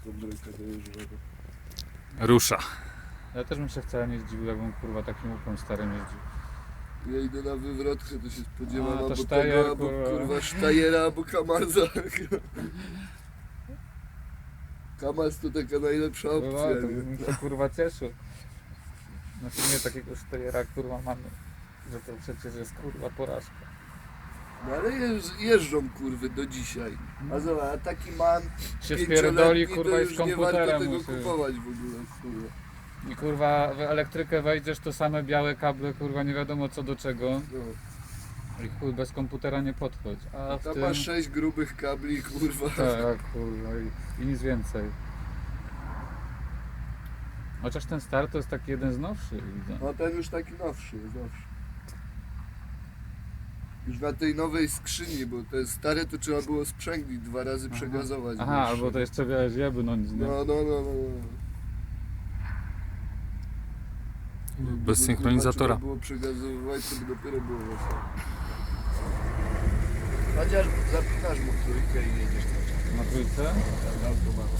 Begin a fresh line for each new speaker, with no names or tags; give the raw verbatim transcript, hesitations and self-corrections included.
Bryka dojeżdżonego.
Rusza.
Ja też bym się wcale nie zdziwił, jakbym kurwa takim łupem starym jeździł.
Ja idę na wywrotkę, to się spodziewam
A, to
albo
Steyr,
tego, albo
kurwa.
kurwa Steyra, albo Kamarza. Kamaz to taka najlepsza
No,
opcja,
to
nie?
bym się kurwa cieszył. Na filmie takiego Steyra kurwa mamy, że to przecież jest kurwa porażka.
No ale jeż, jeżdżą kurwy do dzisiaj. A zobacz, a taki man
Się
pięcioletni,
spierdoli
to
kurwa i z
już nie warto
komputerem
tego
musi.
kupować w ogóle, kurwa.
I kurwa w elektrykę wejdziesz, to same białe kable kurwa nie wiadomo co do czego.
No.
I chuj bez komputera nie podchodź. A w
Tam
tym...
ma sześć grubych kabli, kurwa.
Tak, kurwa i, i nic więcej. Chociaż ten star to jest taki jeden z nowszych, widzę.
No ten już taki nowszy jest, nowszy. Już na tej nowej skrzyni, bo te stare to trzeba było sprzęglić, dwa razy
Aha.
przegazować.
Aha,
wiesz.
albo to jeszcze wiesz, jebnąć, nie?
No, no, no, no. no.
Bez
Gdyby,
synchronizatora.
kurwa, trzeba było przegazowywać, to by dopiero było wesoło. Chociaż zapinasz mu trójkę i jedziesz na czas.
Na trójce?
Na automat.